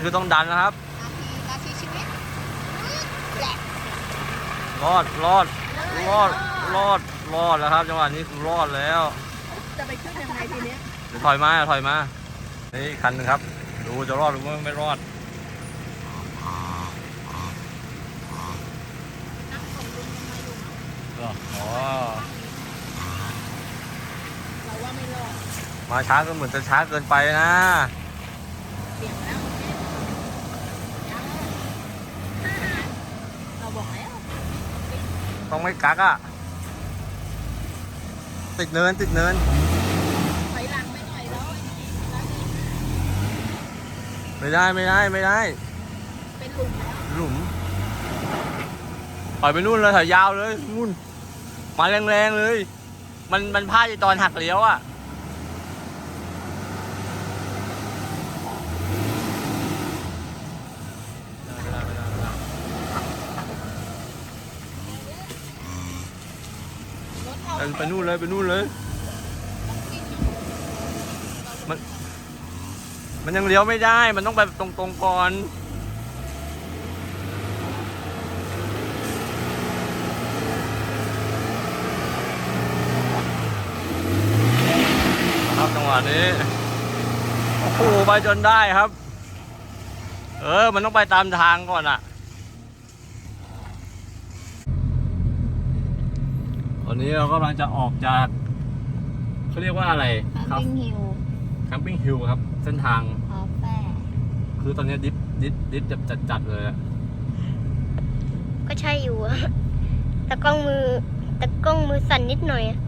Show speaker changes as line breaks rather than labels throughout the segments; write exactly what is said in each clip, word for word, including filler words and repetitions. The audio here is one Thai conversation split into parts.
คือต้องดันนะครับ
นาทีนาทีชีวิต
รอดรอดรอดรอดรอดแล้วครับจังหวะนี้คือรอดแล้ว
จะไปขึ้นยังไงทีนี้
ถอยมาถอยมานี่คันนึงครับดูจะรอดหรือไม่รอดอ๋อ
เราว่าไม่รอด
มาช้าก็เหมือนจะช้าเกินไปนะ
เบี่ยงแล้วเราบอกแล้ว
ต้องไม่กักอ่ะติดเนินติดเนิน
ถอยหลังไม่หน่อยแล้ว
ไม่ได้ไม่ได้ไม่ได้
เป็นหลุมแล้ว
หลุมถอยไปนู่นเลยถอยยาวเลยนู่นมาแรงๆเลยมันมันพลาดตอนหักเลี้ยวอ่ะไปนู่นเลยไปนู่นเลยมันมันยังเลี้ยวไม่ได้มันต้องไปตรงๆก่อนครับจังหวะนี้โอ้โหไปจนได้ครับเออมันต้องไปตามทางก่อนอ่ะตอนนี้เรากำลังจะออกจากเขาเรียกว่าอะไร
ครับแคมปิ้งฮิล
แคมปิ้งฮิลครับเส้นทาง
คาเฟ่
คือตอนนี้ดิฟดิฟดิฟจัดจัดจัดเลยอะ
ก็ใช่อยู่อะแต่กล้องมือแต่กล้องมือสั่นนิดหน่อยอะ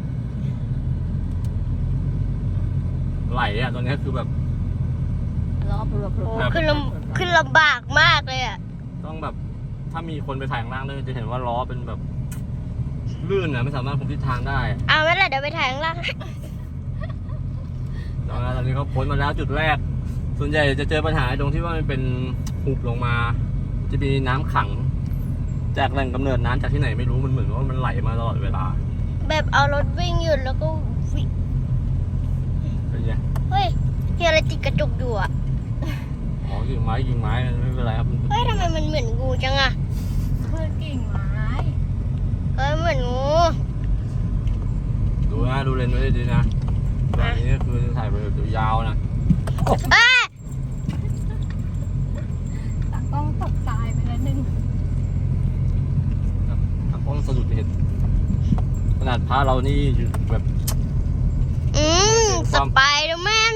ไหลอะตอนนี้คือแบบ
รอบรวบรวบ
ขึ้นลำขึ้นลำบากมากเลยอะ
ต้องแบบถ้ามีคนไปถ่ายข้างล่างด้วยจะเห็นว่าล้อเป็นแบบลื่นนะไม่สามารถคุมทิศทางได้
เอาไม่ละเดี๋ยวไปถ่ายข้างล่าง
ตอนนี้เขาพ้นมาแล้วจุดแรกส่วนใหญ่จะเจอปัญหาตรงที่ว่ามันเป็นหุบลงมาจะมีน้ำขังจากแหล่งกำเนิดน้ำจากที่ไหนไม่รู้มันเหมือนว่ามันไหลมาตลอดเวลา
แบบเอารถวิ่งหยุดแล้วก็วิ่ง
เป็นไง
เฮ้ยเฮียอะไรติดกระจกอยู่อ่ะ
อ๋อยิงไม้ยิงไม้ไม่เป็นไรครับ
เฮ้ยทำไมมันเหมือนงูจังอ่ะ
เพื่อกิ่งไม้
เฮ้ยเหมือนงู
ดูนะดูเลนส์ไว้ดีนะแบบนี้คือถ่ายไปแบบยาวนะ
ตากล้องตกตายไปแล้วนึง
ตากล้องสะดุดเห็นขนาดพระเรานี่แบบ
อืมสไปเดอร์แมน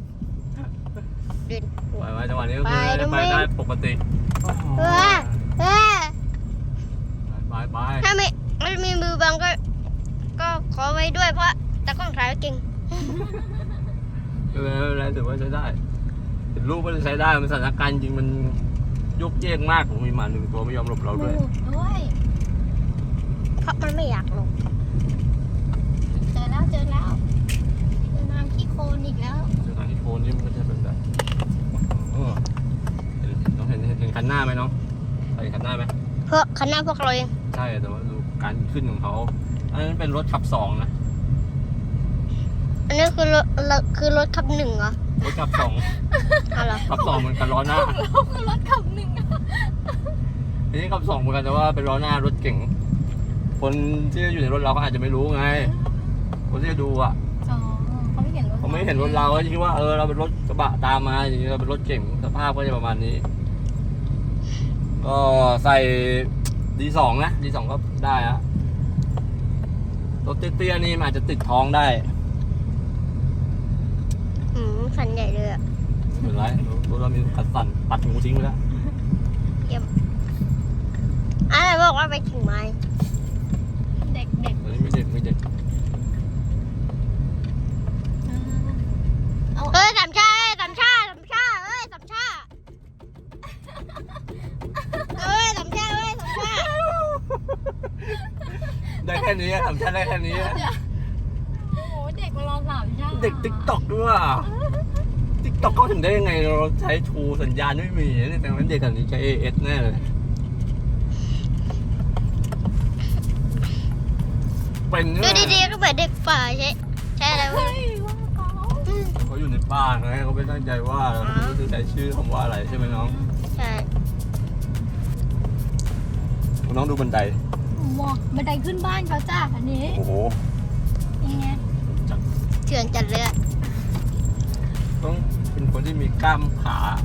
ไปไว้จังหวะนี้ก็คือไปได้ปกติ
เออเออ
ไปไป
ถ้าไม่ไม่มีมือบังก็ก็ขอไว้ด้วยเพราะตากล้องถ่ายเก่ง
ไม่เป็นไรถือว่าใช้ได้เห็นรูปมันใช้ได้มันสถานการณ์จริงมันยกเยกมากผมมีหมาหนึ่งตัวไม่ยอมหลบเราด้วย
ด้วย
เพราะมันไม่อยากหลบ
เจอแล้วเจอแล้วเจอน้ำขี้โคลนอีกแล้ว
เจอน้ำขี้โคลนนี่มันก็จะเป็นแบบเออน้องเห็นเห็นคันหน้าไหมน้องเห็นคันหน้าไหม
เพราะคันหน้าพวกเราเอง
ใช่แต่ว่าดูการขึ้นของเขาอันนั้นเป็นรถขับสองนะ
อันนี้คือรถคือรถขับหนึ่งเหรอ
รถขับสอง
อะไร
ขับสองเหมือนกันล้อหน้า
เราคือรถขับหนึ่ง
อันนี้ขับสองเหมือนกันแต่ว่าเป็นล้อหน้ารถเก่งคนที่อยู่ในรถเราก็อาจจะไม่รู้ไงคนที่จะดูอ่ะ
เขาไม่เห็นรถ
เขาไม่เห็นรถเราก็คิดว่าเออเราเป็นรถกระบะตามมาอย่างนี้เราเป็นรถเก่งสภาพก็จะประมาณนี้ก็ใส่ดีสองนะดีสองก็ได้ฮะรถเตี้ยๆนี่มันอาจจะติดท้องได้
อืมสันใหญ่เลยอ่ะ
ไม่เป็นไรรถเรามีกัดสั่นตัดงูทิ้งไปแล้ว
เยี่ยมอะไรบอกว่าไปถึงไม้
เด็กเด็ก
อันนี้ไม่เด็กไม่เด็ก
เอ้ยสามชาเอ้ยสามชาสามชาเอ้ยสามชาเอ้ยสามชาเอ้ยสามชา
ได้แค่นี้สามชาได้แค่นี้
โอ้โหเด็กมารอสามชา
เด็กติ๊กต็อกด้วยติ๊กต็อกเขาถึงได้ยังไงเราใช้ทูสัญญาณไม่มีเนี่ยแต่ว่าเด็กแบบนี้ใช้ เอ เอส แน่เลยเป็น
ดูดีๆก็เหมือนเด็กป่าใช่ใช่แล้ว
เขาอยู่ในบ้านไงเขาไม่ตั้งใจว่าเราไม่รู้จะใช้ชื่อคำว่าอะไรใช่ไหมน้อง
ใช่
น้องดูบันได
หมอกบันไดขึ้นบ้านเขาจ้าอันนี้
โอ้โห
ยังไง
เถื่อนจัดเลยอะ
ต้องเป็นคนที่มีกล้ามขา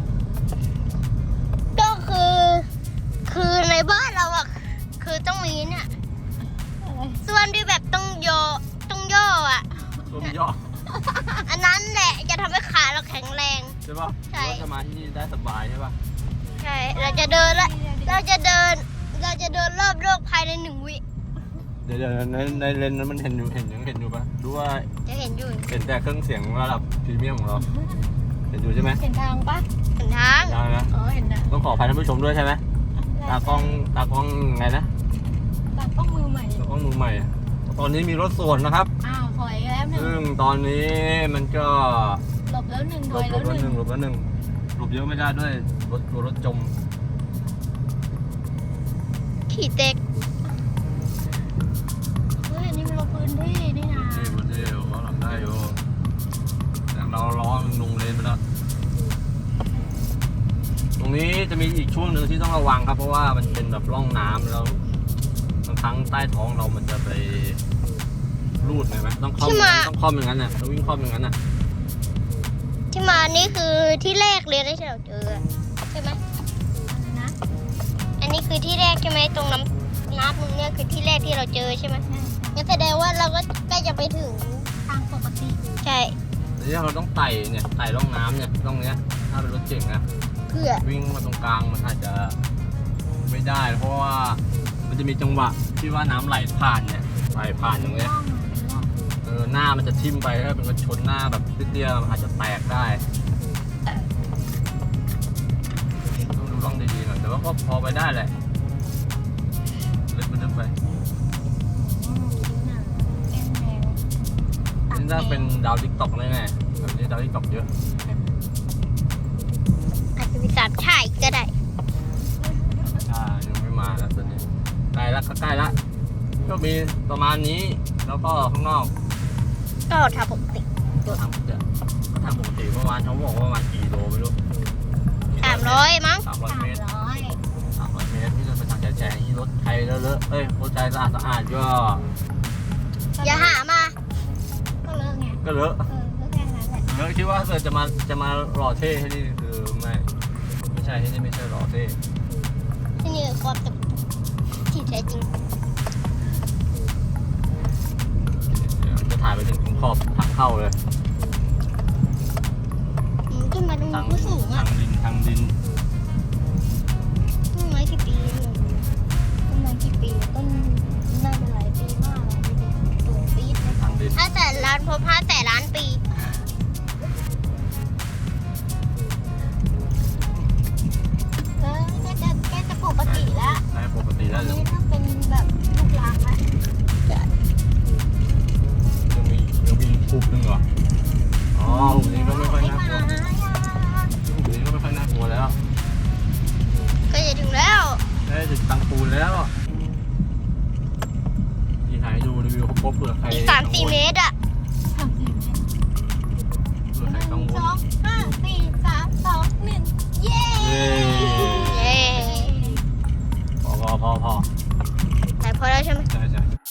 ก็คือ คือในบ้านเราอะคือต้องมีเนี่ย
อะไร
ส่วนที่แบบต้องโยต้องย่ออะ
ต้มย่อ
อันนั้นแหละจะทำให้ขาเราแข็งแรง
ใช่ป่ะ
ใช่
หรือว่าจะมาที่นี่ได้สบายใช่ป่ะ
ใช่ เราจะเดินละเราจะเดิน เราจะเดินรอบโลกภายในหนึ่งวิ
เดี๋ยวเดี๋ยวในในเลนส์นั้นมันเห็นอยู่เห็นยังเห็นอยู่ป่ะดูว่า
จะเห็นอยู่
เห็นแต่เครื่องเสียงระดับพรีเมียมของเรา เห็นอยู่ใช่ไหม
เห็นทางปะ
เห็นทาง
ได้นะ
อ๋อเห็นนะ
ต้องขออภัยท่านผู้ชมด้วยใช่ไหมตากล้องตากล้องไงนะ
ตากล้องมือใหม่
ตากล้องมือใหม่อะตอนนี้มีรถสวนนะครับ
อ้าวถอยแล้วหนึ่ง
ซึ่งตอนนี้มันก็
หลบแล้วหนึ่งถ
หล
อบ ย
หล
แล้ว
บ
ห
แล้วห
นึ่
นึ่
ง
งหลบแล้วหนึ่งหลบเยอะไม่ได้ด้วยรถกลัวรถจม
ขี่เต็ก
เฮ้ยอันนี้มันลบพื้นที่นี่นะ
นี่มันเดียวก็ทำได้อยู่แต่เราล้อมันลงเลนไปแล้ว ตรงนี้จะมีอีกช่วงหนึ่งที่ต้องระวังครับ เพราะว่ามันเป็นแบบร่องน้ำแล้วบางครั้งใต้ท้องเรามันจะไปรูดไงไหมต้องคล่อมอย่างนั้นต้องคล่อมอย่างนั้นน่ะต้องวิ่งคล่อมอย่างนั้นน่ะ
ที่มานี่คือที่แรกเลยนะที่เราเจอใช่ไหม
อะไรนะ
อันนี้คือที่แรกใช่ไหมตรงน้ำน้ำตรงเนี้ยคือที่แรกที่เราเจอใช่ไหม
ใช่ใช่
งั้นแสดงว่าเราก็ใกล้จะไปถึง
ทางปกติ
ใช่
ทีนี้เราต้องไต่เนี่ยไต่ร่องน้ำเนี่ยร่องเนี้ยถ้าเป็นรถเก่งนะ
เพื่อ
วิ่งมาตรงกลางมันอาจจะไม่ได้ เพราะว่ามันจะมีจังหวะที่ว่าน้ำไหลผ่านเนี่ยไหลผ่านตรงเนี้ย
ร่องอะเป็นร่อง
เออหน้ามันจะทิ่มไปถ้าเป็นกระชนหน้าแบบเตี้ยๆมันอาจจะแตกได้ต้องดูร่องดีๆหน่อยแต่ว่าก็พอไปได้แหละเล็กไปเล็กไป
อืมหนาแก้มแดง
นี่ถ้าเป็นดาวทิกตอกแน่ๆแบบนี้ดาวทิกตอกเยอะ
อาจจะมีสามชายก็ได้
อ่ายังไม่มาแล้วตอนนี้ใกล้แล้วก็ใกล้แล้วก็มีประมาณนี้แล้วก็ข้างนอก
ก็ทำปกติ
ก็ทำเดี๋ยวก็ทำปกติเมื่อวานเขาบอกว่าประมาณกี่โลไม่รู้
สามร้อยมั้ง
สามร้อย
สาม
เมตร
ร้อย
สามร้อยเมตรที่เราไปทางแฉะๆนี่รถไทยเลอะๆเอ้ยรถไทยสะอาดสะอาดก็
อย่าหามา
ก็เลิกไง
ก็เลอะ
เออก็แค่นั้นแหละ
เลอะคิดว่าถ้าเกิดจะมาจะมารอเท่ให้นี่คือไม่ไม่ใช่ที่นี่ไม่ใช่รอเท่
ที่นี่คือความที่แท้จริง
เดี๋ยวจะถ่ายไปถึงขอบทางเข้าเลย
อืมขึ้นมาตรง
ทาง
นี้สูง
ทา
อ่ะ
งดินทางดิน
ต้นไม้กี่ปีเนี่ย
ต้นไม้กี่ปีต้นน่าจะหลายปีมากเลยดูดิสูงปี๊ดเลย
ทางดิน
ห้าแสนล้านพบห้าแสนล้านปี
เออแค่จะแค่จะปกติแล้ว
ได้ปกติ
ต
แล้
อ
วน ยัง
นี้ถ้าเป็นแบบลูกรังแล้ว
ยังมียังมีหุบหนึ่งเหรออ๋อหุบนี้ก็ไม่ค่อยน่ากลัว
ไม่มาอย่า
หุบนี้ก็ไม่ค่อยน่ากลัวแล้ว
ก็จะถึงแล้ว
ได้ถึงตังปูนแล้วที่ถ่ายให้ดูรีวิวครบๆเผื่อใคร
อีกสามสี่เมตรอ่ะ
ทำจริงไหม
เผื่อ
ห
ใคร
นึ่ง
กังว
ส
ล
องห้าสี่สามสองหนึ่งเย้
เย้
เย้
พอพอพอพอ
แต่พอแล้วใช่ไหม
ใช่ใช่